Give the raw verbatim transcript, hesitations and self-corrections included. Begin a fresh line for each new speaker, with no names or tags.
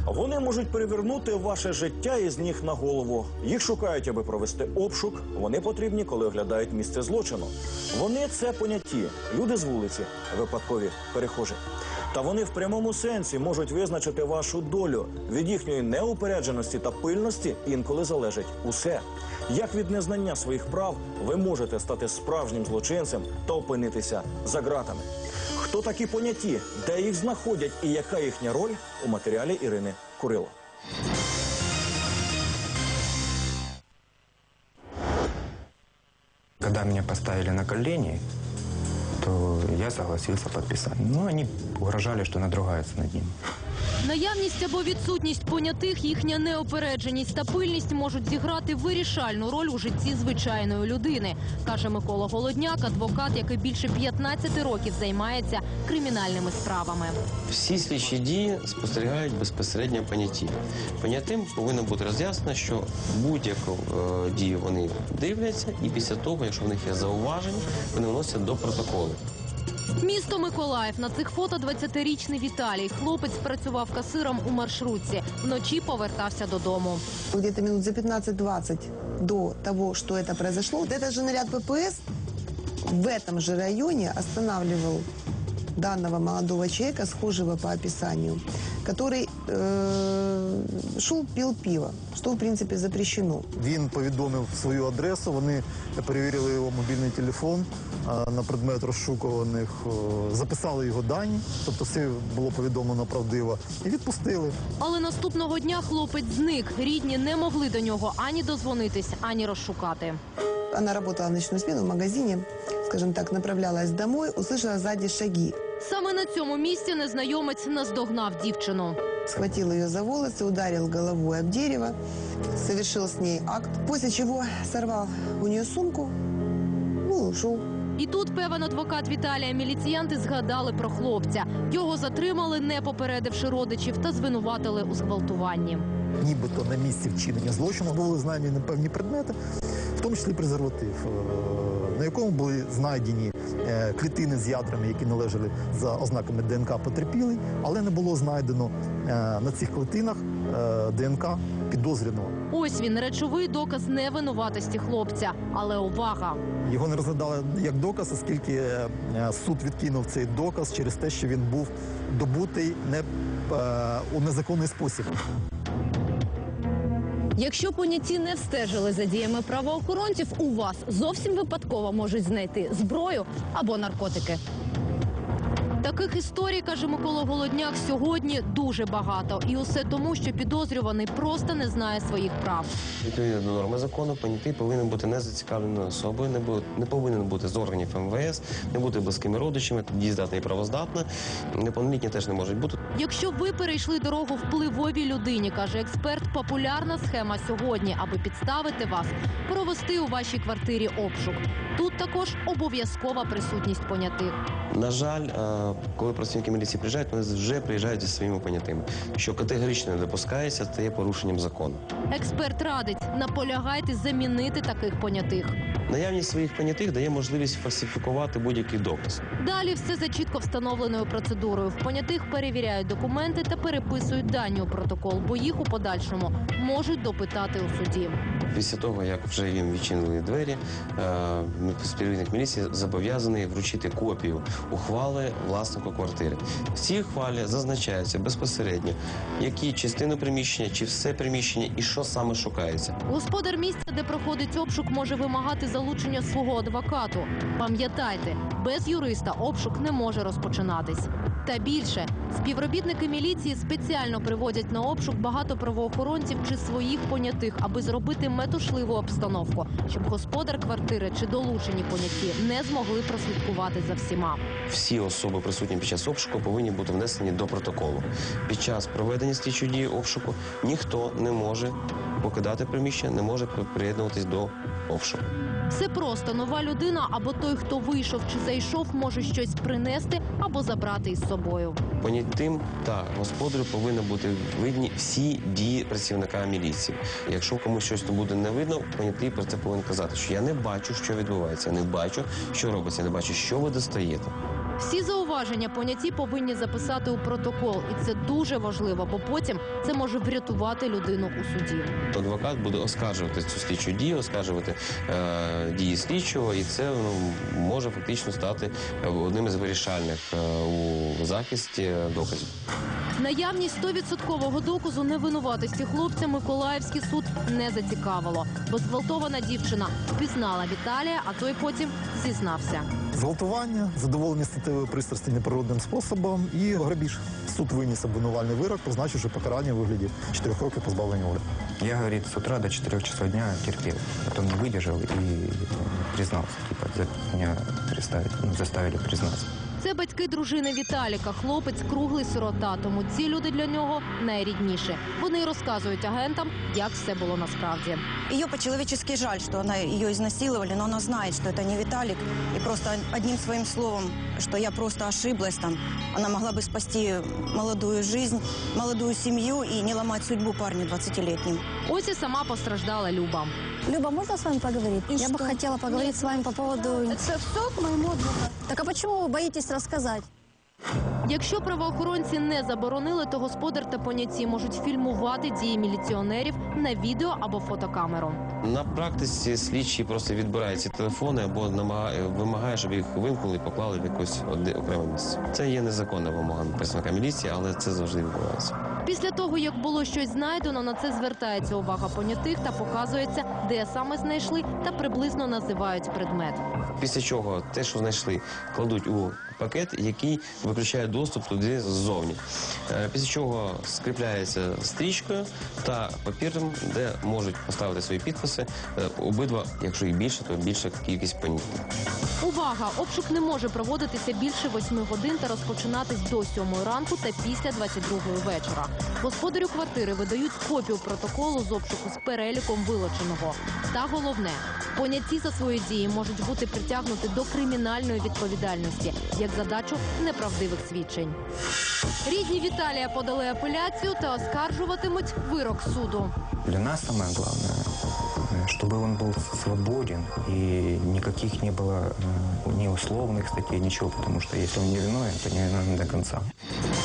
Вони можуть перевернути ваше життя із ніг на голову. Їх шукають, аби провести обшук. Вони потрібні, коли оглядають місце злочину. Вони – це понятті, люди з вулиці, випадкові перехожі. Та вони в прямому сенсі можуть визначити вашу долю. Від їхньої неупередженості та пильності інколи залежить усе. Як від незнання своїх прав ви можете стати справжнім злочинцем та опинитися за ґратами? Хто такі понятті, де їх знаходять і яка їхня роль – у матеріалі Ірини Курило.
Когда меня поставили на колени, то я согласился подписать. Но они угрожали, что надругаются над ним.
Наявність або відсутність понятих, їхня неопередженість та пильність можуть зіграти вирішальну роль у житті звичайної людини, каже Микола Голодняк, адвокат, який більше п'ятнадцяти років займається кримінальними справами.
Всі слідчі дії спостерігають безпосередньо понятті. Понятим повинно бути роз'яснено, що будь-яку е, дію вони дивляться, і після того, якщо в них є зауваження, вони вносять до протоколу.
Місто Миколаїв. На цих фото двадцятирічний Віталій. Хлопець працював касиром у маршрутці. Вночі повертався додому.
Где-то минут за пятнадцать-двадцать до того, что это произошло, вот этот же наряд ППС в этом же районе останавливал данного молодого человека, схожего по описанию, который э, шел, пил пиво, что, в принципе, запрещено.
Він повідомив свою адресу, вони перевірили його мобільний телефон а, на предмет розшукуваних, о, записали його дані, тобто все було повідомлено правдиво, і відпустили.
Але наступного дня хлопець зник. Рідні не могли до нього ані дозвонитись, ані розшукати.
Она работала в ночную смену в магазине, скажем так, направлялась домой, услышала сзади шаги.
Саме на цьому місці незнайомець наздогнав дівчину.
Схватил ее за волосы, ударил головой об дерево, совершил с ней акт, после чего сорвал у нее сумку, ну и ушел.
І тут, певен адвокат Віталія, міліціянти згадали про хлопця. Його затримали, не попередивши родичів, та звинуватили у зґвалтуванні.
Нібито на місці вчинення злочину були знайдені певні предмети, в тому числі презерватив, на якому були знайдені клітини з ядрами, які належали за ознаками ДНК потерпілий, але не було знайдено на цих клітинах ДНК підозрюваного.
Ось він, речовий доказ невинуватості хлопця. Але увага!
Його не розглядали як доказ, оскільки суд відкинув цей доказ через те, що він був добутий не, у незаконний спосіб.
Якщо поняті не встежили за діями правоохоронців, у вас зовсім випадково можуть знайти зброю або наркотики.
Таких історій, каже Микола Голодняк, сьогодні дуже багато. І усе тому, що підозрюваний просто не знає своїх прав.
Відповідно до норми закону, понятий повинен бути незацікавленою особою, не, бу- не повинен бути з органів ем ве ес, не бути близькими родичами, дієздатна і правоздатна. Неповнолітні теж не можуть бути.
Якщо ви перейшли дорогу впливовій людині, каже експерт, популярна схема сьогодні, аби підставити вас, провести у вашій квартирі обшук. Тут також обов'язкова присутність понятих.
На жаль, е, коли працівники міліції приїжджають, вони вже приїжджають зі своїми понятими, що категорично не допускається, це є порушенням закону.
Експерт радить, наполягайте замінити таких понятих.
Наявність своїх понятих дає можливість фальсифікувати будь-який доказ.
Далі все за чітко встановленою процедурою. В понятих перевіряють документи та переписують дані у протокол, бо їх у подальшому можуть допитати у суді.
Після того, як вже їм відчинили двері, е, співробітник міліції зобов'язаний вручити копію ухвали власнику квартири. В цій ухвалі зазначається безпосередньо, які частини приміщення, чи все приміщення і що саме шукається.
Господар місця, де проходить обшук, може вимагати залучення свого адвокату. Пам'ятайте, без юриста обшук не може розпочинатись. Та більше, співробітники міліції спеціально приводять на обшук багато правоохоронців чи своїх понятих, аби зробити метушливу обстановку, щоб господар квартири чи долучені поняті не змогли прослідкувати за всіма.
Всі особи, присутні під час обшуку, повинні бути внесені до протоколу. Під час проведення слідчої дії обшуку ніхто не може покидати приміщення, не може приєднуватись до обшуку.
Все просто. Нова людина або той, хто вийшов чи зайшов, може щось принести або забрати із собою.
Понятим та господарю повинні бути видні всі дії працівника міліції. Якщо комусь щось не буде не видно, понятий про це повинен казати, що я не бачу, що відбувається, я не бачу, що робиться, я не бачу, що ви достаєте.
Всі зауваження поняті повинні записати у протокол. І це дуже важливо, бо потім це може врятувати людину у суді.
Адвокат буде оскаржувати цю слідчу дію, оскаржувати е, дії слідчого, і це ну, може фактично стати одним із вирішальних е, у захисті доказів.
Наявність сто відсоткового доказу невинуватості хлопця Миколаївський суд не зацікавило, бо зґвалтована дівчина впізнала Віталія, а той потім зізнався.
Зґвалтування, задоволення статевої пристрасті неприродним способом і грабіж. Суд виніс обвинувальний вирок, позначивши покарання у вигляді чотирьох років позбавлення волі.
Я, говорит, с утра до четырех часов дня терпел. Потом не выдержал и признался. Типа, за- меня приставили, ну, заставили признаться.
Це батьки дружини Віталіка. Хлопець круглий сирота, тому ці люди для нього найрідніші. Вони й розказують агентам, як все було насправді.
Ее по-человечески жаль, что она, ее изнасиловали, но она знает, что это не Виталик. И просто одним своим словом, что я просто ошиблась там, она могла бы спасти молодую жизнь, молодую семью и не ломать судьбу парню двадцатилетним.
Ось і сама постраждала Люба.
Люба, можно с вами поговорить?
И
Я
что?
бы хотела поговорить с вами по поводу...
Это все к моему адвокату.
Так а почему вы боитесь рассказать?
Якщо правоохоронці не заборонили, то господар та поняті можуть фільмувати дії міліціонерів на відео або фотокамеру.
На практиці слідчий просто відбирає ці телефони або намагає, вимагає, щоб їх вимкнули і поклали в якесь одне окреме місце. Це є незаконна вимога представника міліції, але це завжди відбувається.
Після того, як було щось знайдено, на це звертається увага понятих та показується, де саме знайшли та приблизно називають предмет.
Після чого те, що знайшли, кладуть у пакет, який виключає доступ туди ззовні. Е, Після чого скріпляється стрічкою та папіром, де можуть поставити свої підписи. Е, Обидва, якщо і більше, то більша кількість понятих.
Увага! Обшук не може проводитися більше восьми годин та розпочинатись до сьомої ранку та після двадцять другої вечора. Господарю квартири видають копію протоколу з обшуку з переліком вилученого. Та головне, поняті за свої дії можуть бути притягнуті до кримінальної відповідальності, як задачу неправдивих свідчень. Рідні Віталія подали апеляцію та оскаржуватимуть вирок суду.
Для нас самое главное, э, чтобы он был свободен и никаких не было э, ни условных статей, ничего, потому что если он не виновен, то не виновен до конца.